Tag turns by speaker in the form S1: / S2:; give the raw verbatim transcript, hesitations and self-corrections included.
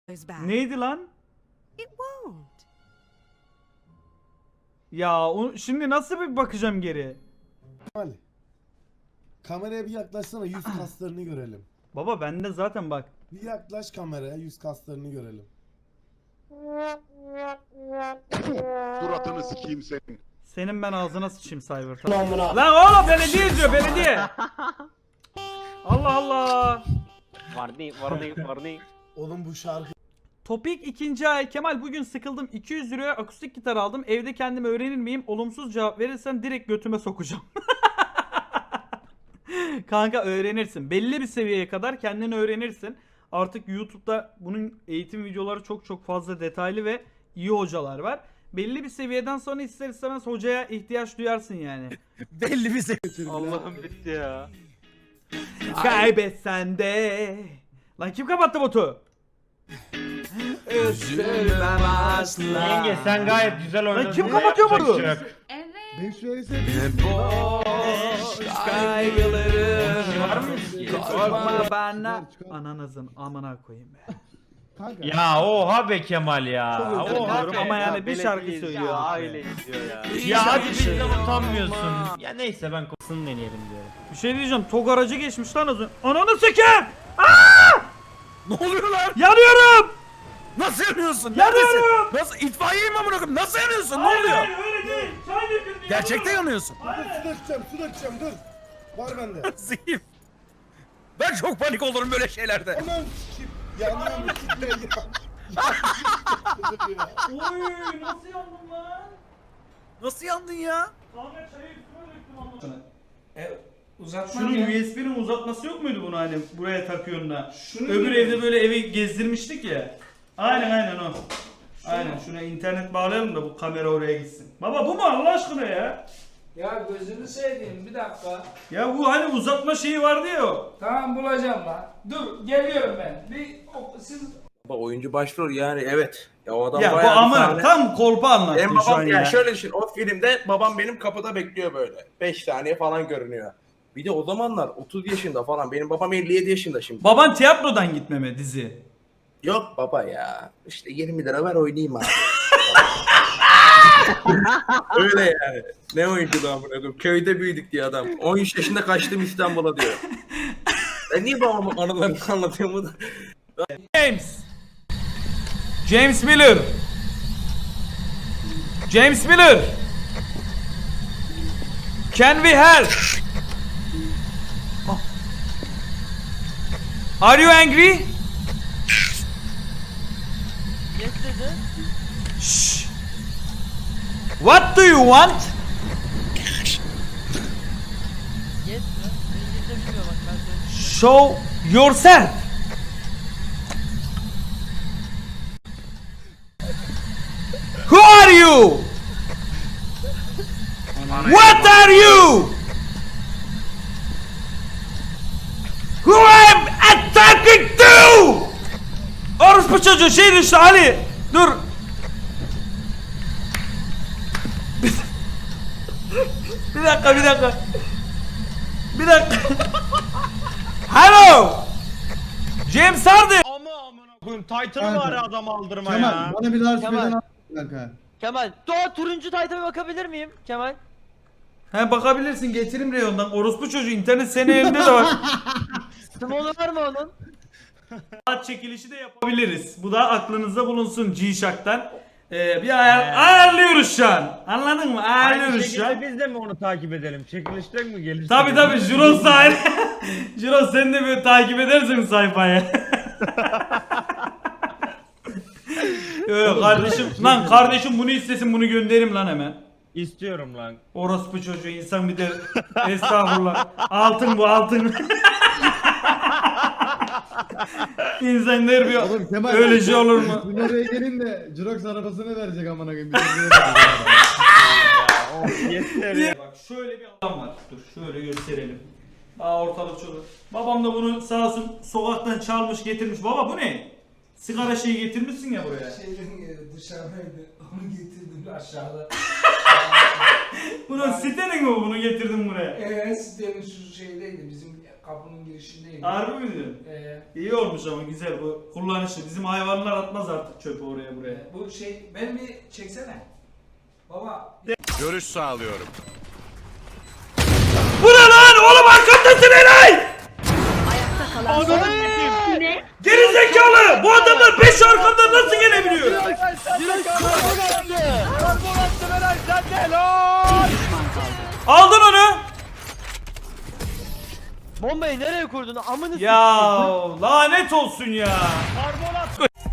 S1: Neydi lan? Ya o, şimdi nasıl bir bakacağım geri?
S2: Kemal, kameraya bir yaklaşsana, yüz kaslarını görelim.
S1: Baba bende zaten bak.
S2: Bir yaklaş kameraya, yüz kaslarını görelim.
S3: Suratını sikeyim senin.
S1: Senin ben ağzına sıçayım Cyber. Lan oğlum belediye izliyor belediye. Allah Allah.
S4: Varni, varni, varni.
S2: Oğlum bu şarkı...
S1: Topik ikinci ay. Kemal bugün sıkıldım. iki yüz liraya akustik gitar aldım. Evde kendim öğrenir miyim? Olumsuz cevap verirsen direkt götüme sokacağım. Kanka öğrenirsin. Belli bir seviyeye kadar kendini öğrenirsin. Artık YouTube'da bunun eğitim videoları çok çok fazla detaylı ve iyi hocalar var. Belli bir seviyeden sonra ister istemez hocaya ihtiyaç duyarsın yani.
S5: Belli bir seviye.
S4: Allah'ım bitti ya.
S1: Kaybetsen de. Lan kim kapattı botu? Üzülmem asla.
S5: Yenge sen gayet güzel oynadın.
S1: Lan kim kapatıyor bunu?
S6: Evet.
S2: Ben söylese
S1: Boş kaygılarım.
S5: Var mıyız ki?
S1: Korkma bana.
S2: Çıkar, çıkar.
S1: Ananızın amına koyayım be.
S2: kanka.
S5: Ya oha be Kemal ya.
S1: Çok özür
S5: Oha
S1: dilerim
S5: be.
S1: ama yani bir
S4: Belediye
S1: şarkı
S4: izliyor,
S1: söylüyor.
S4: aile izliyor ya.
S5: Ya hadi bizden utanmıyorsun. Ya neyse ben kopsunu deneyelim diyorum.
S1: Bir şey diyeceğim. Tok aracı geçmiş lan az önce. Ananı sikeyim. Aa!
S5: Ne oluyor lan?
S1: Yanıyorum.
S5: Nasıl yanıyorsun?
S1: Yanıyorum.
S5: Nasıl itfaiyeyim amına koyayım? Nasıl yanıyorsun? Ne
S1: Hayır,
S5: oluyor?
S1: hayır, öyle değil. Çay döküldü.
S5: Gerçekten yanıyorsun.
S2: Dur, su dökeceğim, su dökeceğim, dur. Var bende.
S5: Zihim. Ben çok panik olurum böyle şeylerde.
S2: Aman sikeyim. Yanıyorum kitle ya.
S1: Oy nasıl yandım lan?
S5: Nasıl yandın ya?
S1: Kanka çayı üstüme döktüm anlamına.
S7: Uzatma
S1: Şunun
S7: ya.
S1: U S B'nin uzatması yok muydu bunu hani buraya takıyorsun da?
S7: Şunu
S1: Öbür
S7: diyorum.
S1: evde böyle evi gezdirmiştik ya. Aynen aynen o. Aynen şuna internet bağlayalım da bu kamera oraya gitsin. Baba bu mu Allah aşkına ya?
S7: Ya gözünü seveyim bir dakika.
S1: Ya bu hani uzatma şeyi vardı ya o.
S7: Tamam bulacağım lan. Dur geliyorum ben. Bir o- siz
S8: Oyuncu başrol yani evet. Ya o adam
S1: Ya bu
S8: bayağı bir
S1: ama
S8: sahne-
S1: tam kolpa anlattın
S8: Benim
S1: şu an
S8: babam
S1: ya.
S8: ya şöyle düşün, o filmde babam benim kapıda bekliyor böyle. beş saniye falan görünüyor. Bir de o zamanlar otuz yaşında falan. Benim babam elli yedi yaşında şimdi.
S1: Baban tiyatrodan gitmeme dizi.
S8: Yok baba ya. İşte yirmi lira ver oynayayım abi. Öyle yani. Ne oyunculuğu amına koyayım. Köyde büyüdük diye adam. on üç yaşında kaçtım İstanbul'a diyor. Ben niye babamın anılarını anlatıyorum bu da?
S1: James. James Miller. James Miller. Can we help? Are you angry?
S9: Yes dedi.
S1: Shh. What do you want?
S9: Yes mi? İngilizce bilmiyor bak ben söyleyeyim.
S1: Show yourself. Who are you? What are you? Who am I talking to? Orospu çocuğu şey düştü Ali. Dur. Bir dakika bir dakika. Bir dakika. Hello. James Harden.
S5: Ama amına koyayım Titan'ı var ya adam aldırma
S2: Kemal,
S5: ya.
S2: bana bir daha
S9: Kemal.
S2: söyleden al kanka.
S9: Kemal, Doğa turuncu taytama bakabilir miyim Kemal?
S1: He bakabilirsin getirim reyondan. Orospu çocuğu internet senin elinde de var.
S9: Sımolu var mı onun?
S1: Saat çekilişi de yapabiliriz. Bu da aklınızda bulunsun G-Shock'tan. Ee, bir ayar, ayarlıyoruz şu an. Anladın mı?
S5: Aynı
S1: Ayarlıyoruz şu an.
S5: şekilde biz de mi onu takip edelim? Çekilişten mi gelirse?
S1: Tabi tabi Juros da aynı. Juros sen de böyle takip edersin sayfayı. Yok kardeşim lan kardeşim bunu istesin bunu gönderim lan hemen.
S5: İstiyorum lan.
S1: Orospu çocuğu insan bir de estağfurullah. Altın bu altın. İnsan der bir
S2: Oğlum Kemal.
S1: öyle şey olur mu?
S2: Dün oraya gelin de Jirox arabasını verecek amına koyayım.
S5: Yeter ya.
S1: Bak şöyle bir adam var. Dur şöyle gösterelim. Aa ortalık çoluk. Babam da bunu sağ olsun sokaktan çalmış getirmiş. Baba bu ne? Sigara şeyi getirmişsin ya buraya.
S7: şeyden dışarıdaydı. Onu getirdim aşağıda.
S1: Bunun sitenin mi bu? Bunu getirdim buraya.
S7: Eee sitenin şu şeydeydi bizim kapının girişindeydi.
S1: Harbi mi diyorsun?
S7: Ee,
S1: İyi olmuş ama güzel bu kullanışı. Bizim hayvanlar atmaz artık çöpü oraya buraya.
S7: e, bu şey ben bir çeksene. Baba
S3: Görüş sağlıyorum.
S1: Bu ne lan? Oğlum arkamdasın Eray!
S6: Ne?
S1: Geri zekalı! Bu adamlar beş arkamdan nasıl gelebiliyor? Aldın onu.
S9: Bombayı nereye kurdun? Amını
S1: Ya lanet olsun ya.